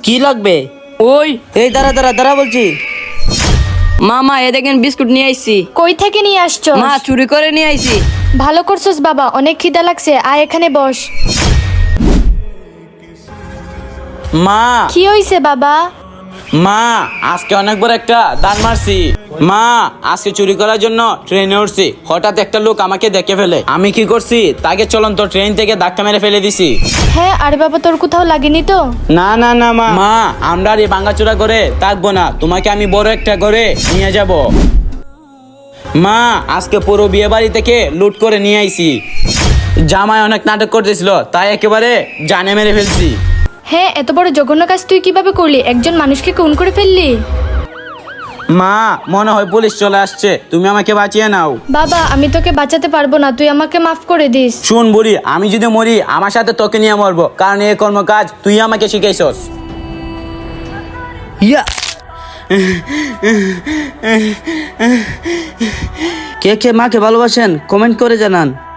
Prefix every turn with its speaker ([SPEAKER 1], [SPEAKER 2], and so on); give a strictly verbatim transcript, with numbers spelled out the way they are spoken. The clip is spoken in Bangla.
[SPEAKER 1] কি লাগবে?
[SPEAKER 2] ওই
[SPEAKER 1] এই দাঁড়া দাঁড়া দাঁড়া বলছি।
[SPEAKER 2] মামা এ দেখেন বিস্কুট নিয়ে আইছি।
[SPEAKER 3] কই থেকে নিয়ে আসছো?
[SPEAKER 2] মা চুরি করে নিয়ে আইছি।
[SPEAKER 3] ভালো করছস বাবা, অনেক খিদা লাগছে, আয় এখানে বস।
[SPEAKER 1] মা
[SPEAKER 3] কি হইছে বাবা?
[SPEAKER 1] মা আজকে অনেক বড় একটা দান মারছি। মা আজকে চুরি করার জন্য ট্রেনে উঠছি, হঠাৎ একটা লোক আমাকে দেখে ফেলে। আমি কি করছি, তাকে চলন্ত ট্রেন থেকে ধাক্কা মেরে ফেলে দিছি।
[SPEAKER 3] হ্যাঁ, আরে বাবা তোর কোথাও লাগেনি তো?
[SPEAKER 1] না না না মা মা আমরা আর এই ভাঙাচোরা করে থাকবো না, তোমাকে আমি বড় একটা করে নিয়ে যাব। মা আজকে পুরো বিয়ে বাড়ি থেকে লুট করে নিয়ে আইছি। জামাই অনেক নাটক করতেছিল, তাই একেবারে জানে মেরে ফেলছি।
[SPEAKER 3] হ্যাঁ, এত বড় জঘন্য কাজ তুই কিভাবে করলি? একজন মানুষকে খুন করে ফেললি?
[SPEAKER 1] মা মনে হয় পুলিশ চলে আসছে, তুমি আমাকে বাঁচিয়ে নাও।
[SPEAKER 3] বাবা আমি তোকে বাঁচাতে পারবো না, তুই আমাকে মাফ করে দিস।
[SPEAKER 1] শুন বুড়ি, আমি যদি মরি আমার সাথে তোকে নিয়ে মরবো, কারণ এই কর্ম কাজ তুই আমাকে শিখাইছস।
[SPEAKER 4] ইয়া কে কে মাকে ভালোবাসেন কমেন্ট করে জানান।